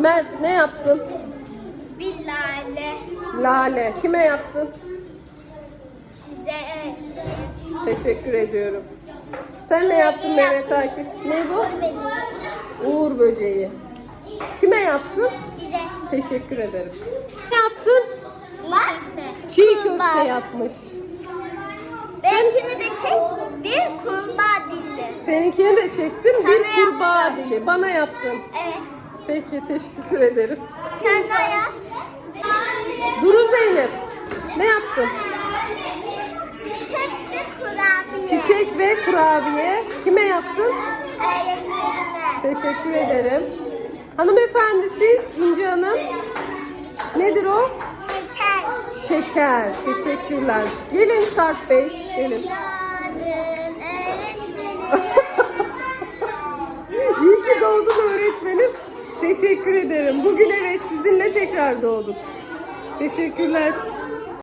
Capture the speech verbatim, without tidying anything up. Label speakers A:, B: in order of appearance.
A: Mert ne yaptın?
B: Bir lale.
A: Lale. Kime yaptın?
B: Size
A: Teşekkür ediyorum. Sen ne yaptın Mehmet Akif? Ne bu? Uğur böceği. Kime yaptın?
B: Size.
A: Teşekkür ederim. Ne yaptın?
B: Bak.
A: Çiğ köfte yapmış.
B: Benimkini de çek. Bir kurbağa dilli.
A: Seninkini de çektim.
B: Sana
A: Bir kurbağa
B: yaptım.
A: dili. Bana yaptın.
B: Evet.
A: Peki teşekkür ederim.
B: Sen de yap.
A: Duru Zeynep. Ne yaptın?
B: Çiçekli kurabiye.
A: Çiçek ve kurabiye. Kime yaptın?
B: Öğretmenime.
A: Teşekkür ederim. Hanımefendi siz İnci Hanım. Nedir o?
B: Şeker.
A: Şeker. Teşekkürler. Gelin Sarp Bey. Gelin.
B: Yardım öğretmenim.
A: İyi ki doğdun öğretmenim. Teşekkür ederim. Bugün evet sizinle tekrar doğduk. Teşekkürler.